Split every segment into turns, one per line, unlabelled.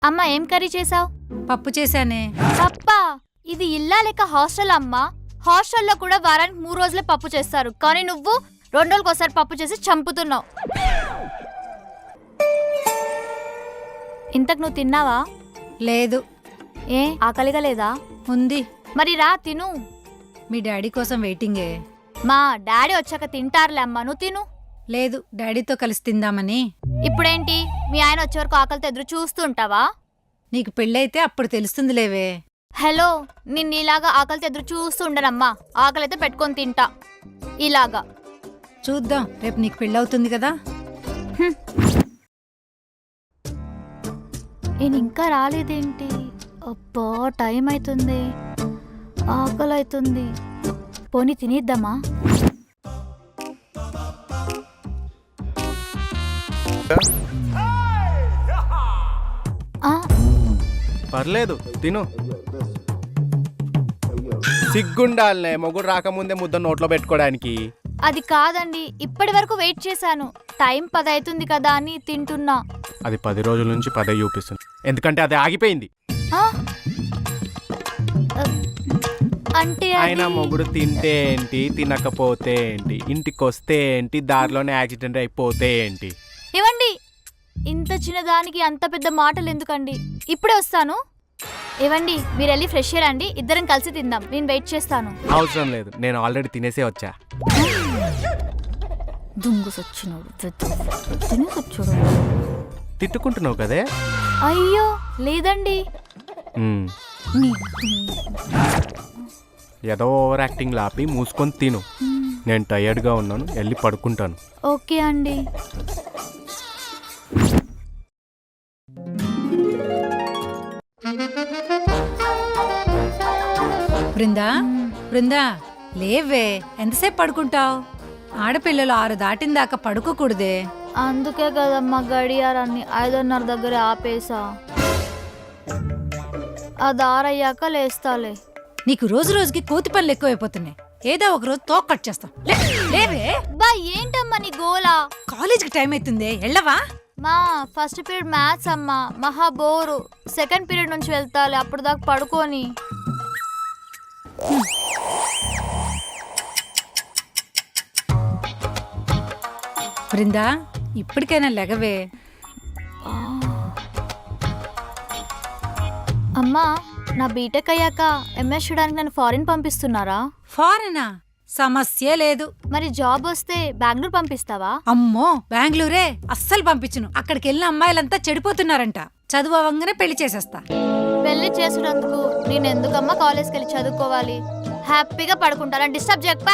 అమ్మా ఏం కర్రీ చేసావు?
పప్పు చేశానే.
పప్పా? ఇది ఇల్లా లేక హాస్టల్ అమ్మా? హాస్టల్లో కూడా వారానికి 3 రోజులే పప్పు చేస్తారు, కానీ నువ్వు 2 రోజులకోసారి పప్పు చేసి చంపుతున్నావు. ఇంతకు నువ్వు తిన్నావా?
లేదు.
ఏ ఆకలిగా లేదా?
ఉంది.
మరి రా తిను.
మీ డాడీ కోసం వెయిటింగే.
మా డాడీ వచ్చాక తింటారులే అమ్మా, నువ్వు తిను.
లేదు, డాడీతో కలిసి తిందామని.
ఇప్పుడేంటి మీ ఆయన వచ్చే వరకు ఆకలితో ఎదురు చూస్తూ ఉంటావా?
నీకు పెళ్ళైతే అప్పుడు తెలుస్తుంది లేవే.
హలో, నిన్ను ఇలాగా ఆకలితో ఎదురు చూస్తూ ఉండనమ్మా. ఆకలితో పెట్టుకొని తింటా ఇలాగా.
చూద్దాం, రేపు నీకు పెళ్ళవుతుంది కదా.
నేను ఇంకా రాలేదేంటి? అబ్బా టైం అవుతుంది, ఆకలి అవుతుంది. పోనీ తినేద్దామా?
పర్లేదు తిను. సిగ్గుండాలనే మొగుడు రాకముందే ముద్ద నోట్లో పెట్టుకోవడానికి.
అది కాదండి, ఇప్పటి వరకు వెయిట్ చేశాను. టైం 10 అవుతుంది కదా అని తింటున్నా.
అది 10 రోజుల నుంచి 10 చూపిస్తుంది, ఎందుకంటే అది ఆగిపోయింది.
ఆ? అంటే
ఆయన మొగుడు తింటే ఏంటి, తినకపోతే ఏంటి, ఇంటికి వస్తే ఏంటి, దారిలోనే యాక్సిడెంట్ అయిపోతే ఏంటి?
ఇవ్వండి, ఇంత చిన్నదానికి అంత పెద్ద మాటలు ఎందుకండి? ఇప్పుడే వస్తాను. ఇవ్వండి, మీరు వెళ్ళి ఫ్రెష్ రండి, ఇద్దరం కలిసి తిందాం. నేను వెయిట్ చేస్తాను.
అవసరం లేదు, నేను ఆల్రెడీ తినేసే వచ్చా. తిట్టుకుంటున్నావు కదే?
అయ్యో లేదండి.
ఏదో ఓవర్ యాక్టింగ్ లాపి మూసుకొని తిను. నేను టయర్డ్గా ఉన్నాను, వెళ్ళి పడుకుంటాను.
ఓకే అండి.
బృందా, బృందా లేవే, ఎంతసేపు పడుకుంటావు? ఆడపిల్లలు 6 దాటిన దాకా పడుకోకూడదే.
అందుకే కదమ్మా గడియారాన్ని 5:30 దగ్గర ఆపేసా. అది 6 అయ్యాక లేస్తాలే.
నీకు రోజు రోజుకి కోతి పనులు ఎక్కువైపోతున్నాయి. ఏదో ఒక రోజు తోక కట్ చేస్తాం. లేవే.
బా ఏంటమ్మా నీ గోలా?
కాలేజ్కి టైం అవుతుంది, వెళ్ళవా?
మా ఫస్ట్ పీరియడ్ మ్యాథ్స్ అమ్మా, మహా బోరు. సెకండ్ పీరియడ్ నుంచి వెళ్తాలే, అప్పుడు దాకా పడుకోని.
బృందా, ఇప్పటికైనా లెగవే.
అమ్మా, నా బీటెక్ అయ్యాక ఎంఎస్ చూడడానికి నన్ను ఫారిన్ పంపిస్తున్నారా?
ఫారెనా? సమస్య లేదు.
మరి జాబ్ వస్తే బెంగళూరు పంపిస్తావా?
అమ్మో, బెంగళూరే అస్సలు పంపించును. అక్కడికి వెళ్ళిన అమ్మాయిలంతా చెడిపోతున్నారంట. చదువు అవ్వగానే పెళ్లి చేసేస్తా.
పెళ్లి చేసినందుకు నేను ఎందుకమ్మా కాలేజ్కి వెళ్ళి చదువుకోవాలి? హ్యాపీగా పడుకుంటారా? డిస్టర్బ్ చేయకపో.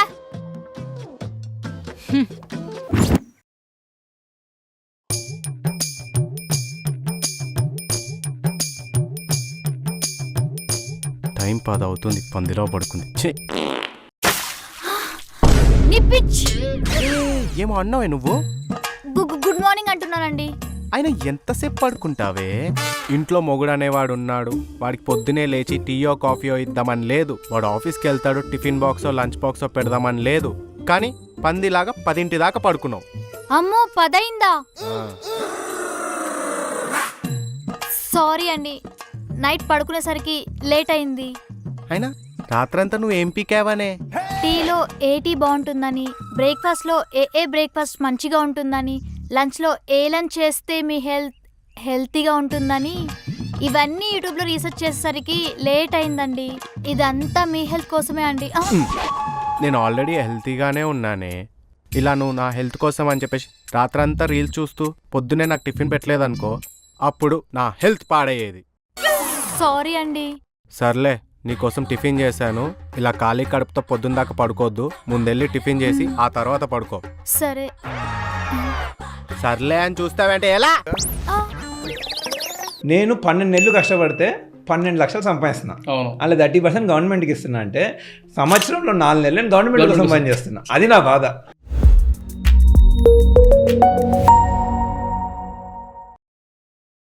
టైం 10 అవుతుంది, పందిలో పడుకుంది. ఏమో అన్నావే నువ్వు?
గుడ్ మార్నింగ్ అంటున్నానండి.
ఆయన ఎంతసేపు పడుకుంటావే? ఇంట్లో మొగుడు అనేవాడు ఉన్నాడు, వాడికి పొద్దునే లేచి టీయో కాఫీయో ఇద్దామని లేదు. వాడు ఆఫీస్కి వెళ్తాడు, టిఫిన్ బాక్సో లంచ్ బాక్సో పెడదామని లేదు. కానీ పందిలాగా 10 దాకా పడుకున్నావు.
అమ్మో 10 అయిందా? సారీ అండి, నైట్ పడుకునేసరికి లేట్ అయింది.
అయినా రాత్రంతా నువ్వు ఏం పీకావనే?
టీలో ఏ టీ బాగుంటుందని, బ్రేక్ఫాస్ట్లో ఏ బ్రేక్ఫాస్ట్ మంచిగా ఉంటుందని, లంచ్లో ఏ లంచ్ చేస్తే మీ హెల్తీగా ఉంటుందని, ఇవన్నీ యూట్యూబ్లో రీసెర్చ్ చేసేసరికి లేట్ అయిందండి. ఇదంతా మీ హెల్త్ కోసమే అండి.
నేను ఆల్రెడీ హెల్తీగానే ఉన్నానే. ఇలా నువ్వు నా హెల్త్ కోసం అని చెప్పేసి రాత్రంతా రీల్స్ చూస్తూ పొద్దునే నాకు టిఫిన్ పెట్టలేదనుకో, అప్పుడు నా హెల్త్ పాడయ్యేది.
సారీ అండి.
సర్లే, నీకోసం టిఫిన్ చేశాను. ఇలా ఖాళీ కడుపుతో పొద్దున్న దాకా పడుకోవద్దు. ముందెళ్ళి టిఫిన్ చేసి ఆ తర్వాత పడుకో.
సరే.
సర్లే అని చూస్తావంటే ఎలా?
నేను 12 నెలలు కష్టపడితే 12 లక్షలు సంపాదిస్తున్నా. అలా 30% గవర్నమెంట్కి ఇస్తున్నా అంటే సంవత్సరంలో 4 నెలలు నేను గవర్నమెంట్ కోసం పని చేస్తున్నా. అది నా బాధ.